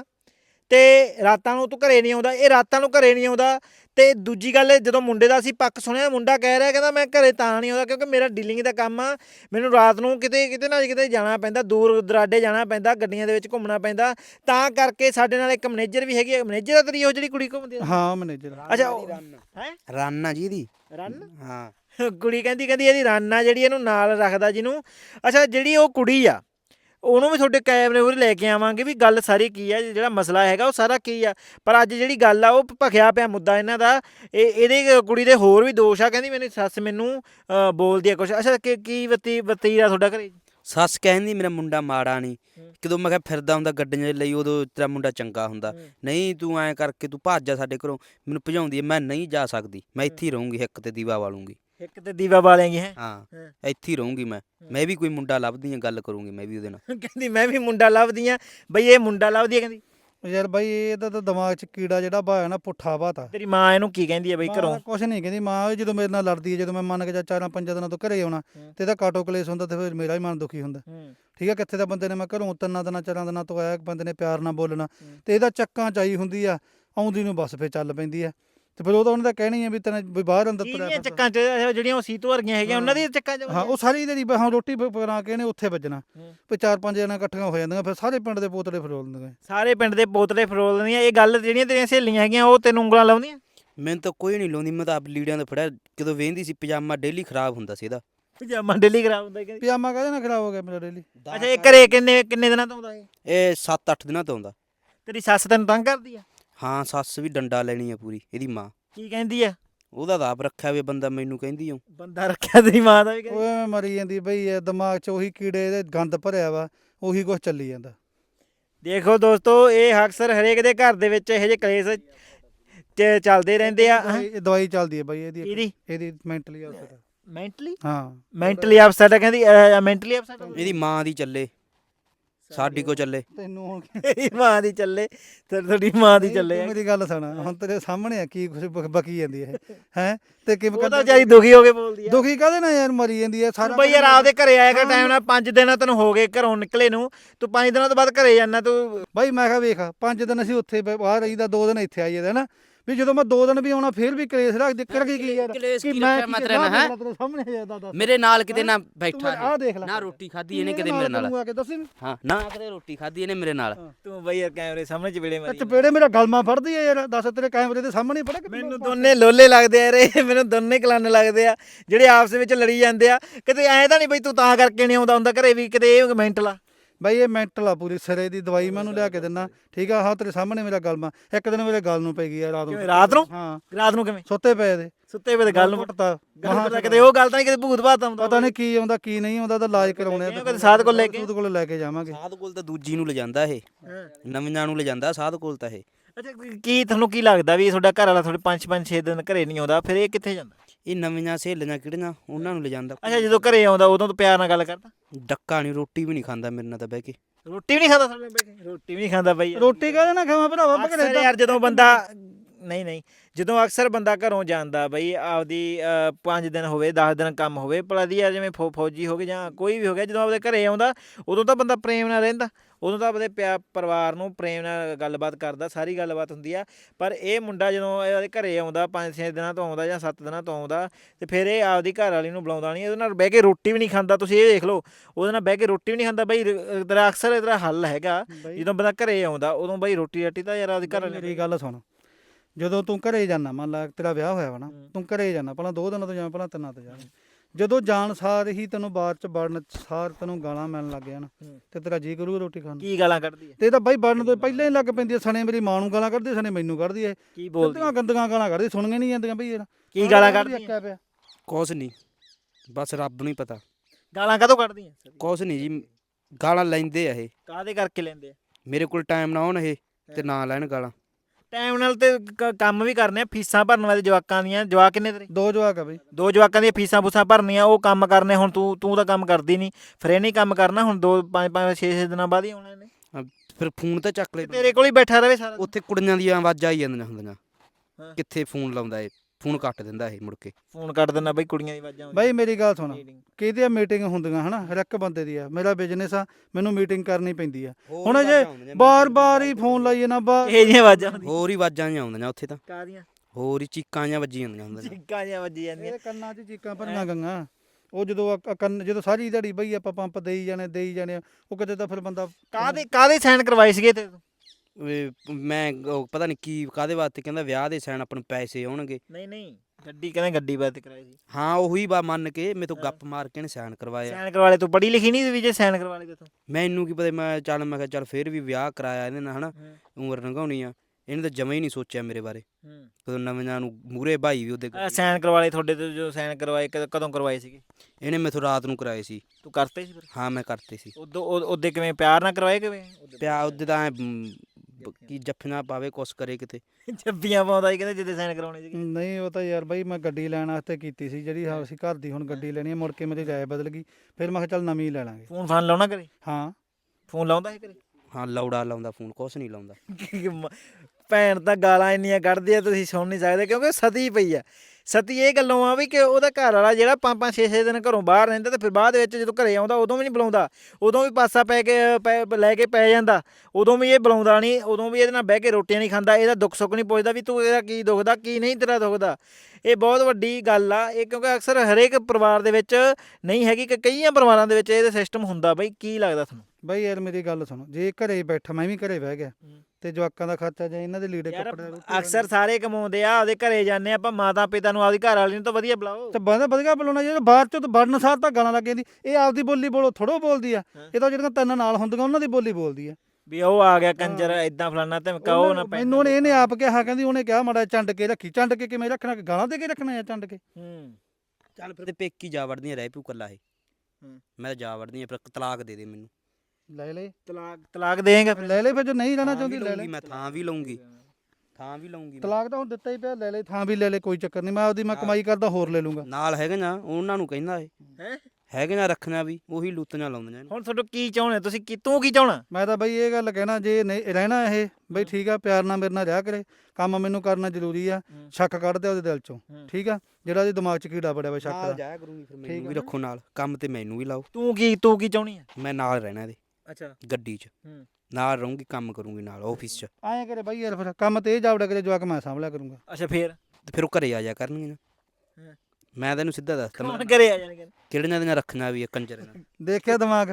[SPEAKER 1] ਤੇ ਰਾਤਾਂ ਨੂੰ ਤੂੰ ਘਰੇ ਨਹੀਂ ਆਉਂਦਾ। ਇਹ ਰਾਤਾਂ ਨੂੰ ਘਰੇ ਨਹੀਂ ਆਉਂਦਾ। ਤੇ ਦੂਜੀ ਗੱਲ, ਜਦੋਂ ਮੁੰਡੇ ਦਾ ਅਸੀਂ ਪੱਖ ਸੁਣਿਆ, ਮੁੰਡਾ ਕਹਿ ਰਿਹਾ ਕਹਿੰਦਾ ਮੈਂ ਘਰੇ ਤਾਂ ਨਹੀਂ ਆਉਂਦਾ ਕਿਉਂਕਿ ਮੇਰਾ ਡੀਲਿੰਗ ਦਾ ਕੰਮ ਆ, ਮੈਨੂੰ ਰਾਤ ਨੂੰ ਕਿਤੇ ਨਾ ਕਿਤੇ ਜਾਣਾ ਪੈਂਦਾ, ਦੂਰ ਦਰਾਡੇ ਜਾਣਾ ਪੈਂਦਾ, ਗੱਡੀਆਂ ਦੇ ਵਿੱਚ ਘੁੰਮਣਾ ਪੈਂਦਾ, ਤਾਂ ਕਰਕੇ ਸਾਡੇ ਨਾਲ ਇੱਕ ਮੈਨੇਜਰ ਵੀ ਹੈਗੀ ਆ। ਮੈਨੇਜਰ ਆ ਤੇਰੀ ਉਹ ਜਿਹੜੀ ਕੁੜੀ ਘੁੰਮਦੀ ਆ?
[SPEAKER 2] ਹਾਂ ਮੈਨੇਜਰ।
[SPEAKER 1] ਅੱਛਾ ਹੈ
[SPEAKER 3] ਰਨ ਆ ਜੀ ਇਹਦੀ।
[SPEAKER 1] ਰਨ?
[SPEAKER 3] ਹਾਂ
[SPEAKER 1] ਕੁੜੀ ਕਹਿੰਦੀ ਇਹਦੀ ਰਨ ਆ ਜਿਹੜੀ ਇਹਨੂੰ ਨਾਲ ਰੱਖਦਾ ਜਿਹਨੂੰ। ਅੱਛਾ ਜਿਹੜੀ ਉਹ ਕੁੜੀ ਆ ਉਹਨੂੰ ਵੀ ਤੁਹਾਡੇ ਕੈਮਰੇ ਉਰੇ ਲੈ ਕੇ ਆਵਾਂਗੇ ਵੀ ਗੱਲ ਸਾਰੀ ਕੀ ਆ, ਜਿਹੜਾ ਮਸਲਾ ਹੈਗਾ ਉਹ ਸਾਰਾ ਕੀ ਆ। ਪਰ ਅੱਜ ਜਿਹੜੀ ਗੱਲ ਆ ਉਹ ਭਖਿਆ ਪਿਆ ਮੁੱਦਾ ਇਹਨਾਂ ਦਾ। ਇਹਦੇ ਕੁੜੀ ਦੇ ਹੋਰ ਵੀ ਦੋਸ਼ ਆ। ਕਹਿੰਦੀ ਮੇਰੀ ਸੱਸ ਮੈਨੂੰ ਬੋਲਦੀ ਆ ਕੁਛ। ਅੱਛਾ ਕੀ ਵਤੀਰਾ ਤੁਹਾਡਾ ਘਰੇ?
[SPEAKER 3] ਸੱਸ ਕਹਿੰਦੀ ਮੇਰਾ ਮੁੰਡਾ ਮਾੜਾ ਨਹੀਂ। ਕਦੋਂ ਮੈਂ ਕਿਹਾ ਫਿਰਦਾ ਹੁੰਦਾ ਗੱਡੀਆਂ ਲਈ, ਉਦੋਂ ਤੇਰਾ ਮੁੰਡਾ ਚੰਗਾ ਹੁੰਦਾ। ਨਹੀਂ ਤੂੰ ਐਂ ਕਰਕੇ ਤੂੰ ਭੱਜ ਜਾ ਸਾਡੇ ਘਰੋਂ, ਮੈਨੂੰ ਭਜਾਉਂਦੀ ਹੈ। ਮੈਂ ਨਹੀਂ ਜਾ ਸਕਦੀ, ਮੈਂ ਇੱਥੇ ਹੀ ਰਹੂੰਗੀ, ਹਿੱਕ ਤੇ ਦੀਵਾ ਬਾਲੂੰਗੀ।
[SPEAKER 1] ਇੱਕ ਤੇ ਦੀਵਾ ਬਾਲੇਂਗੀ? ਹੈ
[SPEAKER 3] ਹਾਂ ਇੱਥੇ ਹੀ ਰਹੂੰਗੀ ਮੈਂ ਵੀ ਕੋਈ ਮੁੰਡਾ ਲੱਭਦੀ ਆ, ਗੱਲ ਕਰੂੰਗੀ ਮੈਂ ਵੀ ਉਹਦੇ ਨਾਲ।
[SPEAKER 1] ਕਹਿੰਦੀ ਮੈਂ ਵੀ ਮੁੰਡਾ ਲੱਭਦੀ ਆ। ਬਈ ਇਹ ਮੁੰਡਾ ਲੱਭਦੀ ਆ ਕਹਿੰਦੀ?
[SPEAKER 2] ਯਾਰ ਬਾਈ ਇਹਦਾ ਤਾਂ ਦਿਮਾਗ 'ਚ ਕੀੜਾ ਜਿਹੜਾ ਬਾਇਆ ਨਾ, ਪੁੱਠਾ ਬਾਤਾ।
[SPEAKER 1] ਤੇਰੀ ਮਾਂ ਇਹਨੂੰ ਕੀ ਕਹਿੰਦੀ ਆ ਬਈ ਘਰੋਂ?
[SPEAKER 2] ਕੁਛ ਨਹੀਂ ਕਹਿੰਦੀ ਮਾਂ। ਜਦੋਂ ਮੇਰੇ ਨਾਲ ਲੜਦੀ ਹੈ, ਜਦੋਂ ਮੈਂ ਮੰਨ ਕੇ 4-5 ਦਿਨਾਂ ਤੋਂ ਘਰੇ ਆਉਣਾ, ਤੇ ਇਹਦਾ ਕਾਟੋ ਕਲੇਸ਼ ਹੁੰਦਾ, ਤੇ ਫਿਰ ਮੇਰਾ ਹੀ ਮਨ ਦੁਖੀ ਹੁੰਦਾ। ਠੀਕ ਆ, ਕਿੱਥੇ ਦਾ ਬੰਦੇ ਨੇ ਮੈਂ ਘਰੋਂ 3 ਦਿਨਾਂ 4 ਦਿਨਾਂ ਤੋਂ ਆਇਆ, ਬੰਦੇ ਨੇ ਪਿਆਰ ਨਾਲ ਬੋਲਣਾ, ਤੇ ਇਹਦਾ ਚੱਕਾਂ ਚਾਈ ਹੁੰਦੀ ਆ, ਆਉਂਦੀ ਨੂੰ ਬਸ ਫਿਰ ਚੱਲ ਪੈਂਦੀ ਆ। ਤੇ ਫਿਰ ਉਹ ਤਾਂ ਉਹਨਾਂ ਦਾ ਕਹਿਣੀ ਆ ਵੀ ਤੈਨੂੰ ਵੀ ਬਾਹਰ ਅੰਦਰ ਤੁਰਿਆ
[SPEAKER 1] ਕਿਹਦੀਆਂ
[SPEAKER 2] ਫਿਰਦਾ।
[SPEAKER 1] ਚੱਕਾਂ 'ਚ ਇਹ ਜਿਹੜੀਆਂ ਉਹ ਸੀਤੋ ਵਰਗੀਆਂ ਹੈਗੀਆਂ ਉਹਨਾਂ ਦੀਆਂ ਚੱਕਾਂ 'ਚ
[SPEAKER 2] ਹਾਂ ਉਹ ਸਾਰੀ ਜਿਹੜੀ ਹਾਂ ਰੋਟੀ ਬਣਾ ਕੇ ਇਹਨੇ ਉੱਥੇ ਵੱਜਣਾ
[SPEAKER 1] ਹੂੰ।
[SPEAKER 2] ਵੀ 4-5 ਜਣਾ ਇਕੱਠੀਆਂ ਹੋ ਜਾਂਦੀਆਂ ਫਿਰ ਸਾਰੇ ਪਿੰਡ ਦੇ ਪੋਤੜੇ ਫਰੋਲ ਦਿੰਦੇ।
[SPEAKER 1] ਸਾਰੇ ਪਿੰਡ ਦੇ ਪੋਤਲੇ ਫਰੋਲ ਦਿੰਦੀਆਂ। ਇਹ ਗੱਲ ਜਿਹੜੀਆਂ ਤੇਰੀਆਂ ਸਹੇਲੀਆਂ ਹੈਗੀਆਂ ਉਹ ਤੈਨੂੰ ਉਂਗਲਾਂ ਲਾਉਂਦੀਆਂ?
[SPEAKER 3] ਮੈਨੂੰ ਤਾਂ ਕੋਈ ਨਹੀਂ ਲਾਉਂਦੀ, ਮੈਂ ਤਾਂ ਆਪ ਲੀੜਿਆਂ ਦਾ ਫੜਿਆ ਜਦੋਂ ਵੇਂਦੀ ਸੀ ਪਜਾਮਾ ਡੇਲੀ ਖਰਾਬ ਹੁੰਦਾ ਸੀ ਇਹਦਾ।
[SPEAKER 1] ਪਜਾਮਾ ਡੇਲੀ ਖਰਾਬ ਹੁੰਦਾ ਕਹਿੰਦੀ।
[SPEAKER 2] ਪਜਾਮਾ ਕਾਹਦੇ ਨਾਲ ਖਰਾਬ ਹੋ ਗਿਆ ਮੇਰਾ ਡੇਲੀ?
[SPEAKER 1] ਅੱਛਾ ਇਹ ਘਰੇ ਕਿੰਨੇ ਕਿੰਨੇ ਦਿਨਾਂ ਤੋਂ ਆਉਂਦਾ ਇਹ?
[SPEAKER 3] ਇਹ 7-8 ਦਿਨਾਂ ਤੋਂ ਆਉਂਦਾ।
[SPEAKER 1] ਤੇਰੀ ਸੱਸ ਤੈਨੂੰ ਤੰਗ ਕਰਦੀ ਆ?
[SPEAKER 3] ਹਾਂ ਸੱਸ ਵੀ ਡੰਡਾ ਲੈਣੀ ਆ ਪੂਰੀ ਇਹਦੀ ਮਾਂ।
[SPEAKER 1] ਕੀ ਕਹਿੰਦੀ ਆ?
[SPEAKER 3] ਉਹਦਾ ਤਾਂ ਆਪ ਰੱਖਿਆ ਵੇ ਬੰਦਾ, ਮੈਨੂੰ ਕਹਿੰਦੀ ਓ।
[SPEAKER 1] ਬੰਦਾ ਰੱਖਿਆ ਤੇਰੀ ਮਾਂ ਦਾ ਵੀ ਕਹਿੰਦੀ?
[SPEAKER 2] ਉਹ ਐਵੇਂ ਮਰੀ ਜਾਂਦੀ ਬਈ ਇਹ ਦਿਮਾਗ 'ਚ ਉਹੀ ਕੀੜੇ ਇਹਦੇ ਗੰਦ ਭਰਿਆ ਵਾ, ਉਹੀ ਕੁਝ ਚੱਲੀ ਜਾਂਦਾ।
[SPEAKER 1] ਦੇਖੋ ਦੋਸਤੋ ਇਹ ਅਕਸਰ ਹਰੇਕ ਦੇ ਘਰ ਦੇ ਵਿੱਚ ਇਹੋ ਜਿਹੇ ਕਲੇਸ਼ ਚੱਲਦੇ ਰਹਿੰਦੇ ਆ।
[SPEAKER 2] ਇਹ ਦਵਾਈ ਚੱਲਦੀ ਹੈ ਬਾਈ
[SPEAKER 1] ਕਿਹਦੀ?
[SPEAKER 2] ਇਹਦੀ ਮੈਂਟਲੀ ਅਪਸੈਟ।
[SPEAKER 1] ਮੈਂਟਲੀ?
[SPEAKER 2] ਹਾਂ
[SPEAKER 1] ਮੈਂਟਲੀ ਅਪਸੈਟ ਆ ਕਹਿੰਦੀ। ਮੈਂਟਲੀ ਅਪਸੈਟ
[SPEAKER 3] ਇਹਦੀ ਮਾਂ ਦੀ ਚੱਲੇ, ਸਾਡੀ ਕੋ ਚੱਲੇ।
[SPEAKER 2] ਤੈਨੂੰ ਹੁਣ
[SPEAKER 1] ਤੇਰੀ ਮਾਂ ਦੀ ਚੱਲੇ ਤੇ ਤੁਹਾਡੀ ਮਾਂ ਦੀ ਚੱਲੇ।
[SPEAKER 2] ਤੂੰ ਮੇਰੀ ਗੱਲ ਸੁਣ, ਹੁਣ ਤੇਰੇ ਸਾਹਮਣੇ ਆ ਕੀ ਕੁਝ ਬਕੀ ਜਾਂਦੀ ਹੈ ਹੈ ਤੇ ਕਿਵੇਂ
[SPEAKER 1] ਉਹ ਤਾਂ ਵਿਚਾਰੀ ਦੁਖੀ ਹੋ ਕੇ ਬੋਲਦੀ ਆ।
[SPEAKER 2] ਦੁਖੀ ਕਾਹਦੇ ਨਾਲ ਯਾਰ ਮਰੀ ਜਾਂਦੀ ਹੈ ਸਾਰਾ
[SPEAKER 1] ਬਈ ਯਾਰ ਆਪਦੇ ਘਰੇ ਆਏਗਾ ਟਾਈਮ ਨਾਲ 5 ਦਿਨ ਤੈਨੂੰ ਹੋ ਗਏ ਘਰੋਂ ਨਿਕਲੇ ਨੂੰ, ਤੂੰ 5 ਦਿਨਾਂ ਤੋਂ ਬਾਅਦ ਘਰੇ ਜਾਣਾ ਤੂੰ।
[SPEAKER 2] ਬਾਈ ਮੈਂ ਕਿਹਾ ਵੇਖ 5 ਦਿਨ ਅਸੀਂ ਉੱਥੇ ਬਾਹਰ ਰਹੀਦਾ, 2 ਦਿਨ ਇੱਥੇ ਆਈਏ ਨਾ ਵੀ ਜਦੋਂ ਮੈਂ 2 ਦਿਨ ਵੀ ਆਉਣਾ ਫੇਰ ਵੀ ਕਲੇਸ਼ ਰੱਖਦੇ ਕਰ ਕੀ ਯਾਰ
[SPEAKER 3] ਕਲੇਸ਼
[SPEAKER 2] ਕਿ
[SPEAKER 3] ਕੀ
[SPEAKER 2] ਮੈਂ
[SPEAKER 3] ਰੱਖਿਆ ਮਤਲਬ ਹੈ?
[SPEAKER 2] ਤੇਰੇ ਸਾਹਮਣੇ ਜਾਂਦਾ ਦੱਸ
[SPEAKER 3] ਮੇਰੇ ਨਾਲ ਕਿਤੇ ਨਾ
[SPEAKER 2] ਤੂੰ
[SPEAKER 3] ਬੈਠਾ
[SPEAKER 2] ਆਹ ਦੇਖ ਲੈ
[SPEAKER 3] ਨਾ ਰੋਟੀ ਖਾਧੀ ਇਹਨੇ ਕਿਤੇ ਮੇਰੇ ਨਾਲ।
[SPEAKER 2] ਤੂੰ ਆ ਕੇ ਦੱਸੀ
[SPEAKER 3] ਹਾਂ ਨਾ ਕਦੇ ਰੋਟੀ ਖਾਧੀ ਇਹਨੇ ਮੇਰੇ ਨਾਲ।
[SPEAKER 1] ਤੂੰ ਬਈ ਯਾਰ ਕੈਮਰੇ ਸਾਹਮਣੇ ਚਪੇੜੇ ਮਾਰੀ।
[SPEAKER 2] ਚਪੇੜੇ ਮੇਰਾ ਗਲਮਾ ਫੜਦੀ ਆ ਯਾਰ, ਦੱਸ ਤੇਰੇ ਕੈਮਰੇ ਦੇ ਸਾਹਮਣੇ ਪੜਾ ਕਿ
[SPEAKER 1] ਮੈਨੂੰ ਦੋਨੇ ਲੋਲੇ ਲੱਗਦੇ ਆ ਯਾਰ, ਇਹ ਮੈਨੂੰ ਦੋਨੇ ਕਲੰਨ ਲੱਗਦੇ ਆ ਜਿਹੜੇ ਆਪਸ ਵਿੱਚ ਲੜੀ ਜਾਂਦੇ ਆ। ਕਿਤੇ ਐਂ ਤਾਂ ਨਹੀਂ ਬਈ ਤੂੰ ਤਾਂ ਕਰਕੇ ਨਹੀਂ ਆਉਂਦਾ ਹੁੰਦਾ ਘਰੇ ਵੀ, ਕਿਤੇ ਇਹ ਮੈਂਟਲ ਆ?
[SPEAKER 2] ਬਾਈ ਇਹ ਮੈਂਟਲ ਆ ਪੂਰੀ ਸਿਰੇ ਦੀ ਦਵਾਈ ਮੈਂ ਉਹਨੂੰ ਲਿਆ ਕੇ ਦਿੰਦਾ, ਠੀਕ ਆ। ਹਾਂ ਤੇਰੇ ਸਾਹਮਣੇ ਮੇਰਾ ਗਲਮਾ ਇੱਕ ਦਿਨ ਮੇਰੇ ਗਲ ਨੂੰ ਪੈ ਗਈ ਆ ਰਾਤ ਨੂੰ।
[SPEAKER 1] ਰਾਤ ਨੂੰ?
[SPEAKER 2] ਹਾਂ
[SPEAKER 1] ਰਾਤ ਨੂੰ ਕਿਵੇਂ
[SPEAKER 2] ਸੁੱਤੇ ਪਏ ਦੇ
[SPEAKER 1] ਸੁੱਤੇ ਵੇ ਗੱਲ ਨੂੰ
[SPEAKER 2] ਘੁੱਟਤਾ
[SPEAKER 1] ਕਿਤੇ ਉਹ ਗੱਲ ਤਾਂ ਨਹੀਂ ਕਿਤੇ ਭੂਤ ਭਾਤ ਆਉਂਦਾ?
[SPEAKER 2] ਪਤਾ ਨਹੀਂ ਕੀ ਆਉਂਦਾ ਕੀ ਨਹੀਂ ਆਉਂਦਾ, ਤਾਂ ਇਲਾਜ ਕਰਾਉਣੇ ਆ
[SPEAKER 1] ਕਦੇ ਸਾਧ ਕੋਲ ਲੈ ਕੇ?
[SPEAKER 2] ਉਹਦੇ ਕੋਲ ਲੈ ਕੇ ਜਾਵਾਂਗੇ।
[SPEAKER 3] ਸਾਧ ਕੋਲ ਤਾਂ ਦੂਜੀ ਨੂੰ ਲਿਜਾਂਦਾ ਇਹ, ਨਵੀਆਂ ਨੂੰ ਲਿਜਾਂਦਾ ਸਾਧ ਕੋਲ ਤਾਂ ਇਹ।
[SPEAKER 1] ਅੱਛਾ ਕੀ ਤੁਹਾਨੂੰ ਕੀ ਲੱਗਦਾ ਵੀ ਤੁਹਾਡਾ ਘਰ ਵਾਲਾ ਤੁਹਾਡੇ 5-6 ਦਿਨ ਘਰੇ ਨਹੀਂ ਆਉਂਦਾ, ਫਿਰ ਇਹ ਕਿੱਥੇ ਜਾਂਦਾ?
[SPEAKER 3] ਇਹ ਨਵੀਆਂ ਸਹੇਲੀਆਂ ਕਿਹੜੀਆਂ ਉਹਨਾਂ ਨੂੰ ਲਿਜਾਂਦਾ।
[SPEAKER 1] ਅੱਛਾ ਜਦੋਂ ਘਰੇ ਆਉਂਦਾ ਉਦੋਂ ਤਾਂ ਪਿਆਰ ਨਾਲ ਗੱਲ ਕਰਦਾ?
[SPEAKER 3] ਡੱਕਾ ਨਹੀਂ, ਰੋਟੀ ਵੀ ਨਹੀਂ ਖਾਂਦਾ ਮੇਰੇ ਨਾਲ ਤਾਂ ਬਹਿ ਕੇ।
[SPEAKER 1] ਰੋਟੀ ਵੀ ਨਹੀਂ ਖਾਂਦਾ ਸਾਡੇ ਬੈਠੇ? ਰੋਟੀ ਵੀ ਨਹੀਂ ਖਾਂਦਾ ਬਾਈ ਯਾਰ।
[SPEAKER 2] ਰੋਟੀ ਕਾਹਦੇ ਨਾਲ ਖਾਵਾਂ ਭਰਾਵਾ ਮੈਂ
[SPEAKER 1] ਅਕਸਰ ਯਾਰ ਜਦੋਂ ਬੰਦਾ ਨਹੀਂ ਜਦੋਂ ਅਕਸਰ ਬੰਦਾ ਘਰੋਂ ਜਾਂਦਾ ਬਈ ਆਪਦੀ 5 ਦਿਨ ਹੋਵੇ 10 ਦਿਨ ਕੰਮ ਹੋਵੇ ਭਲਾ ਦੀ ਯਾਰ, ਜਿਵੇਂ ਫੌਜੀ ਹੋ ਗਏ ਜਾਂ ਕੋਈ ਵੀ ਹੋ ਗਿਆ, ਜਦੋਂ ਆਪਦੇ ਘਰੇ ਆਉਂਦਾ ਉਦੋਂ ਤਾਂ ਬੰਦਾ ਪ੍ਰੇਮ ਨਾਲ ਰਹਿੰਦਾ, ਉਦੋਂ ਤਾਂ ਆਪਦੇ ਪਰਿਵਾਰ ਨੂੰ ਪ੍ਰੇਮ ਨਾਲ ਗੱਲਬਾਤ ਕਰਦਾ, ਸਾਰੀ ਗੱਲਬਾਤ ਹੁੰਦੀ ਆ। ਪਰ ਇਹ ਮੁੰਡਾ ਜਦੋਂ ਇਹਦੇ ਘਰੇ ਆਉਂਦਾ 5-6 ਦਿਨਾਂ ਤੋਂ ਆਉਂਦਾ ਜਾਂ 7 ਦਿਨਾਂ ਤੋਂ ਆਉਂਦਾ, ਤੇ ਫਿਰ ਇਹ ਆਪਦੀ ਘਰ ਵਾਲੀ ਨੂੰ ਬੁਲਾਉਂਦਾ ਨਹੀਂ, ਉਹਦੇ ਨਾਲ ਬਹਿ ਕੇ ਰੋਟੀ ਵੀ ਨਹੀਂ ਖਾਂਦਾ। ਤੁਸੀਂ ਇਹ ਦੇਖ ਲਓ, ਉਹਦੇ ਨਾਲ ਬਹਿ ਕੇ ਰੋਟੀ ਵੀ ਨਹੀਂ ਖਾਂਦਾ ਬਈ। ਤੇਰਾ ਅਕਸਰ ਇਹਦਾ ਹੱਲ ਹੈਗਾ ਜਦੋਂ ਬੰਦਾ ਘਰੇ ਆਉਂਦਾ ਉਦੋਂ ਬਈ ਰੋਟੀ ਰਾਟੀ ਤਾਂ ਯਾਰ ਆਪਦੀ ਘਰ ਵਾਲੀ।
[SPEAKER 2] ਮੇਰੀ ਗੱਲ ਸੁਣ, ਜਦੋਂ ਤੂੰ ਘਰੇ ਜਾਣਾ, ਮੰਨ ਲਾ ਤੇਰਾ ਵਿਆਹ ਹੋਇਆ ਵਾ ਨਾ, ਤੂੰ ਘਰੇ ਜਾਣਾ, ਪਹਿਲਾਂ 2 ਦਿਨਾਂ ਤੋਂ ਜਾਣਾ, ਪਹਿਲਾਂ 3 ਤੋਂ ਜਾਣਾ, ਜਦੋਂ ਜਾਣ ਸਾਰ ਹੀ ਤੈਨੂੰ ਬਾਹਰ ਚ ਵੜਨ ਸਾਰ ਤੈਨੂੰ ਗਾਲਾਂ ਮਿਲਣ ਲੱਗ ਜਾਣ ਤੇ ਤੇਰਾ ਜੀ ਕਰੂਗਾ ਰੋਟੀ ਖਾਣ ਨੂੰ।
[SPEAKER 1] ਕੀ ਗਾਲਾਂ ਕੱਢਦੀ ਹੈ?
[SPEAKER 2] ਤੇ ਇਹ ਤਾਂ ਬਾਈ ਵੜਨ ਤੋਂ ਪਹਿਲਾਂ ਹੀ ਲੱਗ ਪੈਂਦੀ ਹੈ, ਸਣੇ ਮੇਰੀ ਮਾਂ ਨੂੰ ਗਾਲਾਂ ਕੱਢਦੀ, ਸਣੇ ਮੈਨੂੰ ਕੱਢਦੀ ਹੈ,
[SPEAKER 1] ਕੀ ਬੋਲਦੀ?
[SPEAKER 2] ਗੰਦੀਆਂ ਗਾਲਾਂ ਕੱਢਦੀ, ਸੁਣੀਆਂ ਨਹੀਂ ਜਾਂਦੀਆਂ ਬਈ ਯਾਰ।
[SPEAKER 1] ਕੀ ਗਾਲਾਂ ਕੱਢਦੀ?
[SPEAKER 3] ਕੁਛ ਨਹੀਂ, ਬਸ ਰੱਬ ਨੂੰ ਹੀ ਪਤਾ।
[SPEAKER 1] ਗਾਲਾਂ ਕਾਹਤੋਂ ਕੱਢਦੀਆਂ?
[SPEAKER 3] ਕੁਛ ਨਹੀਂ ਜੀ, ਗਾਲਾਂ ਲੈਂਦੇ ਆ ਇਹ।
[SPEAKER 1] ਕਾਹਦੇ ਕਰਕੇ ਲੈਂਦੇ ਆ?
[SPEAKER 3] ਮੇਰੇ ਕੋਲ ਟਾਈਮ ਨਾ ਆਉਣ ਇਹ ਤੇ ਨਾ ਲੈਣ ਗਾਲਾਂ।
[SPEAKER 1] ਟਾਈਮ ਨਾਲ ਤੇ ਕੰਮ ਵੀ ਕਰਨੇ ਆ, ਫੀਸਾਂ ਭਰਨ ਵਾਲੇ ਜਵਾਕਾਂ ਦੀਆਂ। ਜਵਾਕ ਕਿੰਨੇ ਤੇਰੇ?
[SPEAKER 2] 2 ਜਵਾਕ ਆ ਬਈ।
[SPEAKER 1] 2 ਜਵਾਕਾਂ ਦੀਆਂ ਫੀਸਾਂ ਫੂਸਾਂ ਭਰਨੀਆਂ, ਉਹ ਕੰਮ ਕਰਨੇ। ਹੁਣ ਤੂੰ ਤਾਂ ਕੰਮ ਕਰਦੀ ਨਹੀਂ, ਫਿਰ ਇਹ ਨਹੀਂ ਕੰਮ ਕਰਨਾ। ਹੁਣ 2-5-6 ਦਿਨਾਂ ਬਾਅਦ ਹੀ ਆਉਣਾ ਇਹਨੇ।
[SPEAKER 3] ਫਿਰ ਫੋਨ ਤਾਂ ਚੱਕ ਲੈ,
[SPEAKER 1] ਤੇਰੇ ਕੋਲ ਹੀ ਬੈਠਾ ਰਵੇ ਸਾਰਾ ਦਿਨ।
[SPEAKER 3] ਉੱਥੇ ਕੁੜੀਆਂ ਦੀਆਂ ਆਵਾਜ਼ਾਂ ਆਈ ਜਾਂਦੀਆਂ ਹੁੰਦੀਆਂ।
[SPEAKER 1] ਹਾਂ।
[SPEAKER 3] ਕਿੱਥੇ ਫੋਨ ਲਾਉਂਦਾ ਇਹ, ਫੋਨ ਕੱਟ ਦਿੰਦਾ ਇਹ ਮੁੜ ਕੇ।
[SPEAKER 1] ਫੋਨ ਕੱਟ ਦਿੰਦਾ ਬਈ, ਕੁੜੀਆਂ ਦੀ ਆਵਾਜ਼ਾਂ
[SPEAKER 2] ਬਾਈ ਮੇਰੀ ਗੱਲ ਸੁਣ, ਕਿਹਦੀਆਂ ਮੀਟਿੰਗ ਹੁੰਦੀਆਂ ਹਨਾ, ਹਰ ਇੱਕ ਬੰਦੇ ਦੀ ਆ। ਮੇਰਾ ਬਿਜ਼ਨਸ ਆ, ਮੈਨੂੰ ਮੀਟਿੰਗ ਕਰਨੀ ਪੈਂਦੀ ਆ। ਹੁਣ ਜੇ ਬਾਰ-ਬਾਰ ਹੀ ਫੋਨ ਲਾਈਏ ਨਾ
[SPEAKER 1] ਇਹ ਜਿਹੀਆਂ ਆਵਾਜ਼ਾਂ ਹੁੰਦੀਆਂ।
[SPEAKER 3] ਹੋਰ ਹੀ ਆਵਾਜ਼ਾਂ ਜਿਹੀਆਂ ਆਉਂਦੀਆਂ ਉੱਥੇ ਤਾਂ,
[SPEAKER 1] ਕਾਹਦੀਆਂ?
[SPEAKER 3] ਹੋਰ ਹੀ ਚੀਕਾਂ ਜਿਹੀਆਂ ਵੱਜੀਆਂ ਹੁੰਦੀਆਂ।
[SPEAKER 1] ਚੀਕਾਂ ਜਿਹੀਆਂ ਵੱਜੀ ਜਾਂਦੀਆਂ।
[SPEAKER 2] ਇਹ ਕੰਨਾਂ 'ਚ ਚੀਕਾਂ ਭਰੀਆਂ ਗੰਗਾ। ਉਹ ਜਦੋਂ ਜਦੋਂ ਸਾਰੀ ਦਿਹਾੜੀ ਬਈ ਆਪਾਂ ਪੰਪ ਦੇਈ ਜਾਣੇ ਉਹ ਕਿਤੇ ਤਾਂ ਫਿਰ ਬੰਦਾ
[SPEAKER 1] ਕਾਹਦੇ ਸਾਈਨ ਕਰਵਾਏ ਸੀਗੇ ਤੇ?
[SPEAKER 3] ਮੈਂ ਉਹ ਪਤਾ ਨਹੀਂ ਕੀ ਕਾਹਦੇ ਵਾਸਤੇ ਕਹਿੰਦਾ, ਵਿਆਹ ਦੇ ਸਾਈਨ ਆਪਾਂ ਨੂੰ ਪੈਸੇ ਆਉਣਗੇ।
[SPEAKER 1] ਨਹੀਂ ਗੱਡੀ ਕਹਿੰਦੇ ਗੱਡੀ ਬਾਤ ਕਰਾਈ ਸੀ।
[SPEAKER 3] ਹਾਂ ਉਹੀ ਬਾ ਮੰਨ ਕੇ ਮੇਰੇ ਤੋਂ ਗੱਪ ਮਾਰ ਕੇ ਨੇ ਸਾਈਨ ਕਰਵਾਇਆ।
[SPEAKER 1] ਸਾਈਨ ਕਰਵਾਲੇ ਤੂੰ ਪੜ੍ਹੀ ਲਿਖੀ ਨਹੀਂ ਵੀ ਜੇ ਸਾਈਨ ਕਰਵਾ ਲਏ ਤੂੰ?
[SPEAKER 3] ਮੈਨੂੰ ਕੀ ਪਤਾ, ਮੈਂ ਕਿਹਾ ਚੱਲ ਫਿਰ ਵੀ ਵਿਆਹ ਕਰਾਇਆ ਇਹਦੇ ਨਾਲ ਹਨਾ, ਉਮਰ ਲੰਘਾਉਣੀ ਆ। ਇਹਨੇ ਤਾਂ ਜਮਾ ਹੀ ਨਹੀਂ ਸੋਚਿਆ ਮੇਰੇ ਬਾਰੇ। ਕਦੋਂ ਨਵਿਆਂ ਨੂੰ ਮੂਰੇ ਭਾਈ ਵੀ ਉਹਦੇ
[SPEAKER 1] ਸਾਈਨ ਕਰਵਾਲੇ ਤੁਹਾਡੇ ਤੋਂ, ਜੋ ਸਾਈਨ ਕਰਵਾਏ ਕਦੋਂ ਕਰਵਾਏ ਸੀਗੇ?
[SPEAKER 3] ਇਹਨੇ ਮੈਥੋਂ ਰਾਤ ਨੂੰ ਕਰਾਏ ਸੀ।
[SPEAKER 1] ਤੂੰ ਕਰਤੇ ਸੀ ਫਿਰ?
[SPEAKER 3] ਹਾਂ ਮੈਂ ਕਰਤੇ ਸੀ।
[SPEAKER 1] ਉਹਦੇ ਕਿਵੇਂ ਪਿਆਰ ਨਾਲ ਕਰਵਾਏ ਕਿਵੇਂ?
[SPEAKER 3] ਪਿਆ ਉਹਦੇ ਤਾਂ ਐਂ ਕੀ ਜੱਫੀਆਂ ਪਾਵੇ ਕੁਛ ਕਰੇ ਕਿਤੇ।
[SPEAKER 1] ਜੱਫੀਆਂ ਪਾਉਂਦਾ ਸੀ ਕਹਿੰਦੇ ਜਿੱਦੇ ਸਾਈਨ ਕਰਾਉਣੇ ਸੀਗੇ।
[SPEAKER 2] ਨਹੀਂ ਉਹ ਤਾਂ ਯਾਰ ਬਾਈ ਮੈਂ ਗੱਡੀ ਲੈਣ ਵਾਸਤੇ ਕੀਤੀ ਸੀ, ਜਿਹੜੀ ਅਸੀਂ ਘਰ ਦੀ ਹੁਣ ਗੱਡੀ ਲੈਣੀ ਹੈ। ਮੁੜ ਕੇ ਮੇਰੀ ਰਾਏ ਬਦਲ ਗਈ, ਫਿਰ ਮੈਂ ਕਿਹਾ ਚੱਲ ਨਵੀਂ ਲੈ ਲਾਂਗੇ।
[SPEAKER 1] ਫੋਨ ਫਾਨ ਲਾਉਣਾ ਕਰੇ?
[SPEAKER 2] ਹਾਂ
[SPEAKER 1] ਫੋਨ ਲਾਉਂਦਾ ਸੀ ਕਰੇ?
[SPEAKER 3] ਹਾਂ ਲੌੜਾ ਲਾਉਂਦਾ ਫੋਨ, ਕੁਛ ਨਹੀਂ ਲਾਉਂਦਾ।
[SPEAKER 1] ਭੈਣ ਤਾਂ ਗਾਲਾਂ ਇੰਨੀਆਂ ਕੱਢਦੀ ਆ ਤੁਸੀਂ ਸੁਣ ਨਹੀਂ ਸਕਦੇ, ਕਿਉਂਕਿ ਸਦੀ ਪਈ ਆ। ਸਤੀ ਇਹ ਗੱਲੋਂ ਆ ਵੀ ਕਿ ਉਹਦਾ ਘਰ ਵਾਲਾ ਜਿਹੜਾ 5-5 6-6 ਦਿਨ ਘਰੋਂ ਬਾਹਰ ਰਹਿੰਦਾ ਤੇ ਫਿਰ ਬਾਅਦ ਵਿੱਚ ਜਦੋਂ ਘਰੇ ਆਉਂਦਾ ਉਦੋਂ ਵੀ ਨਹੀਂ ਬੁਲਾਉਂਦਾ, ਉਦੋਂ ਵੀ ਪਾਸਾ ਪੈ ਕੇ ਲੈ ਕੇ ਪੈ ਜਾਂਦਾ, ਉਦੋਂ ਵੀ ਇਹ ਬੁਲਾਉਂਦਾ ਨਹੀਂ, ਉਦੋਂ ਵੀ ਇਹਦੇ ਨਾਲ ਬਹਿ ਕੇ ਰੋਟੀਆਂ ਨਹੀਂ ਖਾਂਦਾ, ਇਹਦਾ ਦੁੱਖ ਸੁੱਖ ਨਹੀਂ ਪੁੱਛਦਾ ਵੀ ਤੂੰ ਇਹਦਾ ਕੀ ਦੁਖਦਾ ਕੀ ਨਹੀਂ ਤੇਰਾ ਦੁਖਦਾ। ਇਹ ਬਹੁਤ ਵੱਡੀ ਗੱਲ ਆ ਇਹ, ਕਿਉਂਕਿ ਅਕਸਰ ਹਰੇਕ ਪਰਿਵਾਰ ਦੇ ਵਿੱਚ ਨਹੀਂ ਹੈਗੀ ਕਿ ਕਈਆਂ ਪਰਿਵਾਰਾਂ ਦੇ ਵਿੱਚ ਇਹਦਾ ਸਿਸਟਮ ਹੁੰਦਾ। ਬਈ ਕੀ ਲੱਗਦਾ ਤੁਹਾਨੂੰ?
[SPEAKER 2] ਬਾਈ ਯਾਰ ਮੇਰੀ ਗੱਲ ਸੁਣੋ, ਜੇ ਘਰੇ ਬੈਠਾ ਮੈਂ ਵੀ ਘਰੇ ਬਹਿ ਗਿਆ ਤੇ ਜਵਾਕਾਂ ਦਾ ਖਰਚਾ ਜਾਂ ਇਹਨਾਂ ਦੇ ਲੀੜੇ
[SPEAKER 1] ਯਾਰ
[SPEAKER 2] ਕੱਪੜੇ ਦਾ
[SPEAKER 1] ਅਕਸਰ ਸਾਰੇ ਕਮਾਉਂਦੇ ਆ, ਉਹਦੇ ਘਰੇ ਜਾਂਦੇ ਆਪਾਂ, ਮਾਤਾ ਪਿਤਾ ਨੂੰ ਆਪਦੀ ਘਰ ਵਾਲੀ ਨੂੰ ਤਾਂ ਵਧੀਆ ਬੁਲਾਓ।
[SPEAKER 2] ਤੇ ਵਧੀਆ ਬੁਲਾਉਣਾ ਯਾਰ, ਬਾਹਰ ਚੋਂ ਤਾਂ ਵੜਨ ਸਾਰ ਤਾਂ ਗਾਲਾਂ ਲੱਗ ਜਾਂਦੀ। ਇਹ ਆਪਦੀ ਬੋਲੀ ਬੋਲੋ ਥੋੜੋ ਬੋਲਦੀ ਆ, ਇਹ ਤਾਂ ਜਿਹੜੀਆਂ ਤਿੰਨ ਨਾਲ ਹੁੰਦੀਆਂ ਉਹਨਾਂ ਦੀ ਬੋਲੀ ਬੋਲਦੀ ਆ
[SPEAKER 1] ਵੀ ਉਹ ਆ ਗਿਆ ਕੰਜਰ ਏਦਾਂ ਫਲਾਨਾ ਧਮਕਾ ਉਹ ਨਾ ਪੈ।
[SPEAKER 2] ਮੈਨੂੰ ਇਹਨੇ ਆਪ ਕਿਹਾ, ਕਹਿੰਦੀ ਉਹਨੇ ਕਿਹਾ ਮਾੜਾ ਚੰਡ ਕੇ ਰੱਖੀ, ਚੰਡ ਕੇ ਕਿਵੇਂ ਰੱਖਣਾ, ਗਾਲਾਂ ਦੇ ਕੇ ਰੱਖਣਾ ਆ ਚੰਡ ਕੇ।
[SPEAKER 3] ਚੱਲ ਫਿਰ ਤੇ ਪੇਕੀ ਜਾ ਵੜਦੀਆਂ ਰਹਿ ਪੂ ਕੱਲਾ ਇਹ, ਮੈਂ ਤਾਂ ਜਾ ਵੜਦੀਆਂ ਫਿਰ ਤਲਾਕ ਦੇ ਦੇ ਮੈਨੂੰ।
[SPEAKER 2] ਲੈ
[SPEAKER 1] ਤਲਾਕ ਦੇਂਗਾ ਫਿਰ?
[SPEAKER 2] ਲੈ ਫਿਰ, ਜੋ ਨਹੀਂ ਰਹਿਣਾ ਚਾਹੁੰਦੀ ਲੈ ਲੈ,
[SPEAKER 3] ਮੈਂ ਥਾਂ ਵੀ ਲਊਂਗੀ, ਥਾਂ ਵੀ ਲਊਂਗੀ।
[SPEAKER 2] ਤਲਾਕ ਤਾਂ ਹੁਣ ਦਿੱਤਾ ਹੀ ਪਿਆ, ਲੈ ਲੈ ਥਾਂ ਵੀ ਲੈ ਲੈ, ਕੋਈ ਚੱਕਰ ਨਹੀਂ, ਮੈਂ ਆਪਦੀ ਮੈਂ ਕਮਾਈ ਕਰਦਾ ਹੋਰ ਲੈ ਲੂੰਗਾ।
[SPEAKER 3] ਨਾਲ ਹੈਗੇ ਨਾ ਉਹਨਾਂ ਨੂੰ ਕਹਿੰਦਾ ਇਹ ਹੈਗੇ ਨਾ ਰੱਖਣਾ ਵੀ, ਉਹੀ ਲੂਤੀਆਂ ਲਾਉਂਦੀਆਂ ਨੇ।
[SPEAKER 1] ਹੁਣ ਤੁਹਾਨੂੰ ਕੀ ਚਾਹੁੰਦੇ ਤੁਸੀਂ, ਤੂੰ ਕੀ ਚਾਹਣਾ?
[SPEAKER 2] ਮੈਂ ਤਾਂ ਬਈ ਇਹ ਗੱਲ ਕਹਿਣਾ, ਜੇ ਨਹੀਂ ਰਹਿਣਾ ਇਹ ਬਈ ਠੀਕ ਆ, ਪਿਆਰ ਨਾਲ ਮੇਰੇ ਨਾਲ ਰਿਹਾ ਕਰੇ, ਕੰਮ ਮੈਨੂੰ ਕਰਨਾ ਜ਼ਰੂਰੀ ਆ, ਸ਼ੱਕ ਕੱਢ ਦੇ ਉਹਦੇ ਦਿਲ ਚੋਂ, ਠੀਕ ਆ, ਜਿਹੜਾ ਉਹਦੇ ਦਿਮਾਗ 'ਚ ਕੀੜਾ ਬੜਿਆ ਵਾ ਸ਼ੱਕ ਦਾ।
[SPEAKER 3] ਜਾਇਆ ਕਰੂੰਗੀ ਫਿਰ, ਮੈਨੂੰ ਵੀ ਰੱਖੋ ਨਾਲ, ਕੰਮ ਤੇ ਮੈਨੂੰ ਵੀ ਲਾਓ।
[SPEAKER 1] ਤੂੰ ਕੀ ਚਾਹੁੰਦੀ ਆ?
[SPEAKER 3] ਮੈਂ ਨਾਲ ਰਹਿਣਾ ਇਹਦੇ,
[SPEAKER 1] ਅੱਛਾ
[SPEAKER 3] ਗੱਡੀ 'ਚ ਨਾਲ ਰਹੂੰਗੀ, ਕੰਮ ਕਰੂੰਗੀ ਨਾਲ ਆਫਿਸ 'ਚ।
[SPEAKER 2] ਐਂ ਕਰੇ ਬਾਈ ਯਾਰ, ਫਿਰ ਕੰਮ ਤੇ ਇਹ ਜਾਵੜਾ ਕਰੇ, ਜਵਾਕ ਮੈਂ ਸਾਂਭ ਲਿਆ ਕਰੂੰਗਾ।
[SPEAKER 1] ਅੱਛਾ ਫਿਰ
[SPEAKER 3] ਤੇ ਫਿਰ ਉਹ ਘਰੇ ਆ ਜਾ ਕਰਨਗੇ ਨਾ, ਮੈਂ ਤੈਨੂੰ ਸਿੱਧਾ ਦੱਸਦਾ
[SPEAKER 1] ਕੌਣ ਘਰੇ ਆ ਜਾਣਗੇ?
[SPEAKER 3] ਕਿਹੜੀਆਂ ਦੀਆਂ ਰੱਖਣਾ ਵੀ ਆ ਕੰਜਰ ਨਾਲ।
[SPEAKER 2] ਦੇਖਿਆ ਦਿਮਾਗ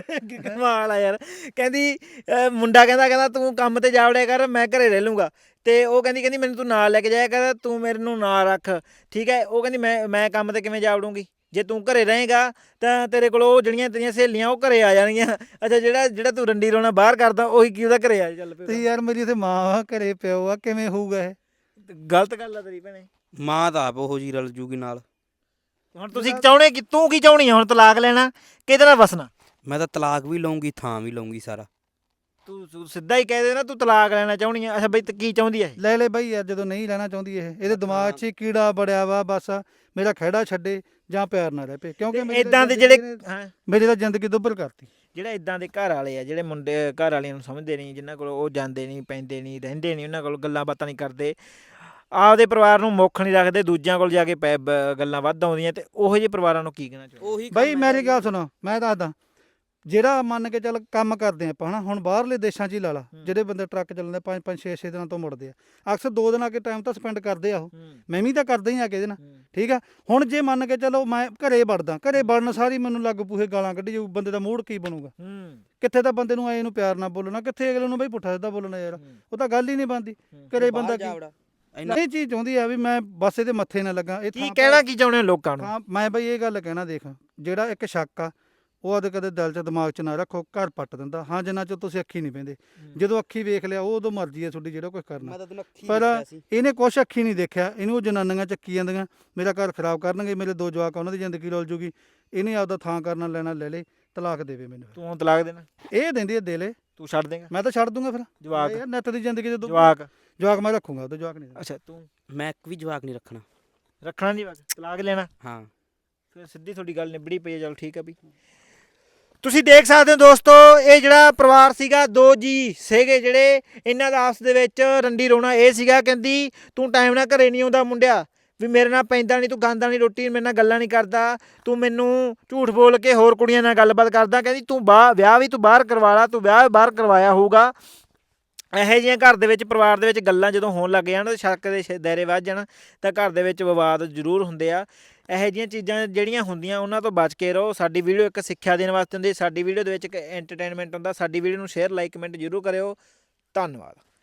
[SPEAKER 1] ਕਮਾਲ ਆ ਯਾਰ। ਕਹਿੰਦੀ ਮੁੰਡਾ ਕਹਿੰਦਾ ਤੂੰ ਕੰਮ ਤੇ ਜਾ ਵੜਿਆ ਕਰ, ਮੈਂ ਘਰੇ ਰਹਿ ਲੂੰਗਾ, ਤੇ ਉਹ ਕਹਿੰਦੀ ਮੈਨੂੰ ਤੂੰ ਨਾਲ ਲੈ ਕੇ ਜਾਇਆ ਕਰ, ਤੂੰ ਮੈਨੂੰ ਨਾਲ ਰੱਖ, ਠੀਕ ਹੈ। ਉਹ ਕਹਿੰਦੀ ਮੈਂ ਕੰਮ ਤੇ ਕਿਵੇਂ ਜਾ ਵੜੂੰਗੀ, ਜੇ ਤੂੰ ਘਰੇ ਰਹੇਗਾ ਤਾਂ ਤੇਰੇ ਕੋਲ ਉਹ ਜਿਹੜੀਆਂ ਤੇਰੀਆਂ ਸਹੇਲੀਆਂ ਉਹ ਘਰੇ ਆ ਜਾਣਗੀਆਂ। ਅੱਛਾ ਜਿਹੜਾ ਤੂੰ ਰੰਡੀ ਰੋਣਾ ਬਾਹਰ ਕਰਦਾ ਉਹੀ ਕੀ ਉਹਦਾ ਘਰੇ ਆ ਚੱਲ ਪਿਆ।
[SPEAKER 2] ਤੇ ਯਾਰ ਮੇਰੀ ਇੱਥੇ ਮਾਂ ਆ, ਘਰੇ ਪਿਓ ਆ, ਕਿਵੇਂ ਹੋਊਗਾ ਇਹ?
[SPEAKER 1] ਗਲਤ ਗੱਲ ਆ ਤੇਰੀ ਭੈਣੇ।
[SPEAKER 3] ਮਾਂ ਤਾਂ ਆਪ ਉਹੋ ਜੀ ਰਲ ਜੂਗੀ ਨਾਲ।
[SPEAKER 1] ਹੁਣ ਤੁਸੀਂ ਚਾਹੁੰਦੇ ਕਿ ਤੂੰ ਕੀ ਚਾਹੁੰਦੀ ਆ ਹੁਣ, ਤਲਾਕ ਲੈਣਾ ਕਿਹਦੇ ਨਾਲ ਵਸਣਾ?
[SPEAKER 3] ਮੈਂ ਤਾਂ ਤਲਾਕ ਵੀ ਲਊਂਗੀ, ਥਾਂ ਵੀ ਲਊਂਗੀ ਸਾਰਾ।
[SPEAKER 1] ਤੂੰ ਸਿੱਧਾ ਹੀ ਕਹਿ ਦੇ ਨਾ ਤੂੰ ਤਲਾਕ ਲੈਣਾ ਚਾਹੁੰਦੀ ਆ। ਅੱਛਾ ਬਈ ਕੀ ਚਾਹੁੰਦੀ ਆ ਇਹ?
[SPEAKER 2] ਲੈ ਬਈ ਯਾਰ, ਜਦੋਂ ਨਹੀਂ ਲੈਣਾ ਚਾਹੁੰਦੀ ਇਹ, ਇਹਦੇ ਦਿਮਾਗ 'ਚ ਹੀ ਕੀੜਾ ਬੜਿਆ ਵਾ, ਬਸ ਮੇਰਾ ਖਹਿੜਾ ਛੱਡੇ ਜਾਂ ਪਿਆਰ ਨਾਲ ਰਹਿ ਪਏ, ਕਿਉਂਕਿ
[SPEAKER 1] ਇਦਾਂ ਦੇ ਜਿਹੜੇ
[SPEAKER 2] ਮੇਰੀ ਤਾਂ ਜ਼ਿੰਦਗੀ ਦੁੱਬਰ ਕਰਤੀ।
[SPEAKER 1] ਜਿਹੜਾ ਇਦਾਂ ਦੇ ਘਰ ਵਾਲੇ ਆ, ਜਿਹੜੇ ਮੁੰਡੇ ਘਰ ਵਾਲਿਆਂ ਨੂੰ ਸਮਝਦੇ ਨਹੀਂ, ਜਿਨ੍ਹਾਂ ਕੋਲ ਉਹ ਜਾਂਦੇ ਨਹੀਂ ਪੈਂਦੇ ਨਹੀਂ ਰਹਿੰਦੇ ਨਹੀਂ, ਉਹਨਾਂ ਕੋਲ ਗੱਲਾਂ ਬਾਤਾਂ ਨਹੀਂ ਕਰਦੇ, ਆਪਦੇ ਪਰਿਵਾਰ ਨੂੰ ਮੁੱਖ ਨਹੀਂ ਰੱਖਦੇ, ਦੂਜਿਆਂ ਕੋਲ ਜਾ ਕੇ ਗੱਲਾਂ ਵੱਧ ਆਉਂਦੀਆਂ, ਤੇ ਉਹੋ ਜਿਹੇ ਪਰਿਵਾਰਾਂ ਨੂੰ ਕੀ ਕਹਿਣਾ ਚਾਹੁੰਦੇ?
[SPEAKER 3] ਉਹੀ
[SPEAKER 2] ਬਈ ਮੇਰੀ ਗੱਲ ਸੁਣੋ, ਮੈਂ ਦੱਸਦਾ, ਜਿਹੜਾ ਮੰਨ ਕੇ ਚੱਲ ਕੰਮ ਕਰਦੇ ਆਪਾਂ ਹਨਾ, ਹੁਣ ਬਾਹਰਲੇ ਦੇਸ਼ਾਂ 'ਚ ਹੀ ਲਾ ਲਾ, ਜਿਹੜੇ ਬੰਦੇ ਟਰੱਕ ਚੱਲਦੇ 5-5 6-6 ਦਿਨਾਂ ਤੋਂ ਮੁੜਦੇ ਆ, ਅਕਸਰ 2 ਦਿਨ ਆ ਕੇ ਟਾਈਮ ਤਾਂ ਸਪੈਂਡ ਕਰਦੇ ਆ ਉਹ, ਮੈਂ ਵੀ ਤਾਂ ਕਰਦਾ ਹੀ ਆ ਕੇ ਇਹਦੇ ਨਾਲ, ਠੀਕ ਆ। ਹੁਣ ਜੇ ਮੰਨ ਕੇ ਚਲੋ ਮੈਂ ਘਰੇ ਵੜਦਾ, ਘਰੇ ਵੜਨ ਸਾਰੀ ਮੈਨੂੰ ਲੱਗ ਪੂਹੇ ਗਾਲਾਂ ਕੱਢੀ ਜਾਊ, ਬੰਦੇ ਦਾ ਮੂਡ ਕੀ ਬਣੂਗਾ? ਕਿੱਥੇ ਤਾਂ ਬੰਦੇ ਨੂੰ ਆਏ ਨੂੰ ਪਿਆਰ ਨਾਲ ਬੋਲਣਾ, ਕਿੱਥੇ ਅਗਲੇ ਨੂੰ ਬਈ ਪੁੱਠਾ ਸਿੱਧਾ ਬੋਲਣਾ, ਯਾਰ ਉਹ ਤਾਂ ਗੱਲ ਹੀ ਨਹੀਂ ਬਣਦੀ। ਘਰੇ ਬੰਦਾ ਇਹ ਚੀਜ਼ ਚਾਹੁੰਦੀ ਆ ਵੀ ਮੈਂ ਬਸ ਇਹਦੇ ਮੱਥੇ ਨਾ ਲੱਗਾ। ਇਹ
[SPEAKER 1] ਕੀ ਕਹਿਣਾ ਕੀ ਚਾਹੁੰਦੇ ਹੋ ਲੋਕਾਂ ਨੂੰ?
[SPEAKER 2] ਹਾਂ ਮੈਂ ਬਈ ਇਹ ਗੱਲ ਕਹਿਣਾ, ਦੇਖ ਜਿਹੜਾ ਇੱਕ ਸ਼ੱਕ ਆ ਉਹ ਆਦੇ ਕਦੇ ਦਿਲ 'ਚ ਦਿਮਾਗ 'ਚ ਨਾ ਰੱਖੋ, ਘਰ ਪੱਟ ਦਿੰਦਾ। ਹਾਂ ਜਿੰਨਾ 'ਚ ਤੁਸੀਂ ਅੱਖੀ ਨਹੀਂ ਪੈਂਦੇ, ਜਦੋਂ ਅੱਖੀ ਵੇਖ ਲਿਆ ਉਹ ਉਦੋਂ ਮਰਜ਼ੀ ਹੈ ਤੁਹਾਡੀ, ਜਿਹੜਾ ਕੁਝ ਕਰਨਾ। ਪਰ ਇਹਨੇ ਕੁਛ ਅੱਖੀ ਨਹੀਂ ਦੇਖਿਆ, ਇਹਨੂੰ ਉਹ ਜਨਾਨੀਆਂ ਚੱਕੀ ਜਾਂਦੀਆਂ, ਮੇਰਾ ਘਰ ਖਰਾਬ ਕਰਨਗੇ, ਮੇਰੇ 2 ਜਵਾਕ, ਉਹਨਾਂ ਦੀ ਜ਼ਿੰਦਗੀ ਰੁਲ ਜੂਗੀ। ਇਹਨੇ ਆਪਦਾ ਥਾਂ ਕਰਨਾ ਲੈਣਾ ਲੈ ਲੈ, ਤਲਾਕ ਦੇਵੇ ਮੈਨੂੰ।
[SPEAKER 1] ਤੂੰ ਤਲਾਕ ਦੇਣਾ?
[SPEAKER 2] ਇਹ ਦਿੰਦੀ ਹੈ ਦੇ ਲੈ,
[SPEAKER 1] ਤੂੰ ਛੱਡ ਦੇਗਾ?
[SPEAKER 2] ਮੈਂ ਤਾਂ ਛੱਡ ਦੂੰਗਾ ਫਿਰ।
[SPEAKER 1] ਜਵਾਕ
[SPEAKER 2] ਯਾਰ ਨਿੱਤ ਦੀ ਜ਼ਿੰਦਗੀ ਜਦੋਂ
[SPEAKER 1] ਜਵਾਕ
[SPEAKER 2] ਮੈਂ ਰੱਖੂੰਗਾ, ਉਹਦੇ ਜਵਾਕ ਨਹੀਂ।
[SPEAKER 1] ਅੱਛਾ ਤੂੰ?
[SPEAKER 3] ਮੈਂ ਇੱਕ ਵੀ ਜਵਾਕ ਨਹੀਂ ਰੱਖਣਾ
[SPEAKER 1] ਨਹੀਂ, ਬਸ ਤਲਾਕ ਲੈਣਾ?
[SPEAKER 3] ਹਾਂ
[SPEAKER 1] ਫਿਰ ਸਿੱਧੀ ਤੁਹਾਡੀ ਗੱਲ ਨਿਬੜੀ ਪਈ ਹੈ। ਚਲੋ ਠੀਕ ਆ ਵੀ। ਤੁਸੀਂ ਦੇਖ ਸਕਦੇ ਹੋ ਦੋਸਤੋ, ਇਹ ਜਿਹੜਾ ਪਰਿਵਾਰ ਸੀਗਾ, 2 ਜੀ ਸੀਗੇ ਜਿਹੜੇ, ਇਹਨਾਂ ਦਾ ਆਪਸ ਦੇ ਵਿੱਚ ਰੰਡੀ ਰੋਣਾ ਇਹ ਸੀਗਾ। ਕਹਿੰਦੀ ਤੂੰ ਟਾਈਮ ਨਾਲ ਘਰੇ ਨਹੀਂ ਆਉਂਦਾ ਮੁੰਡਿਆ, ਵੀ ਮੇਰੇ ਨਾਲ ਪੈਂਦਾ ਨਹੀਂ, ਤੂੰ ਖਾਂਦਾ ਨਹੀਂ ਰੋਟੀ, ਮੇਰੇ ਨਾਲ ਗੱਲਾਂ ਨਹੀਂ ਕਰਦਾ, ਤੂੰ ਮੈਨੂੰ ਝੂਠ ਬੋਲ ਕੇ ਹੋਰ ਕੁੜੀਆਂ ਨਾਲ ਗੱਲਬਾਤ ਕਰਦਾ। ਕਹਿੰਦੀ ਤੂੰ ਵਿਆਹ ਵੀ ਤੂੰ ਬਾਹਰ ਕਰਵਾ ਲਾ, ਤੂੰ ਵਿਆਹ ਬਾਹਰ ਕਰਵਾਇਆ ਹੋਊਗਾ। ਇਹੋ ਜਿਹੀਆਂ ਘਰ ਦੇ ਵਿੱਚ, ਪਰਿਵਾਰ ਦੇ ਵਿੱਚ ਗੱਲਾਂ ਜਦੋਂ ਹੋਣ ਲੱਗ ਜਾਣ, ਤਾਂ ਸ਼ੱਕ ਦੇ ਦਾਇਰੇ ਵੱਧ ਜਾਣ, ਤਾਂ ਘਰ ਦੇ ਵਿੱਚ ਵਿਵਾਦ ਜ਼ਰੂਰ ਹੁੰਦੇ ਆ। ਇਹੋ ਜਿਹੀਆਂ ਚੀਜ਼ਾਂ ਜਿਹੜੀਆਂ ਹੁੰਦੀਆਂ ਉਹਨਾਂ ਤੋਂ ਬਚ ਕੇ ਰਹੋ। ਸਾਡੀ ਵੀਡੀਓ ਇੱਕ ਸਿੱਖਿਆ ਦੇਣ ਵਾਸਤੇ ਹੁੰਦੀ, ਸਾਡੀ ਵੀਡੀਓ ਦੇ ਵਿੱਚ ਇੱਕ ਐਂਟਰਟੇਨਮੈਂਟ ਹੁੰਦਾ। ਸਾਡੀ ਵੀਡੀਓ ਨੂੰ ਸ਼ੇਅਰ, ਲਾਈਕ, ਕਮੈਂਟ ਜ਼ਰੂਰ ਕਰਿਓ। ਧੰਨਵਾਦ।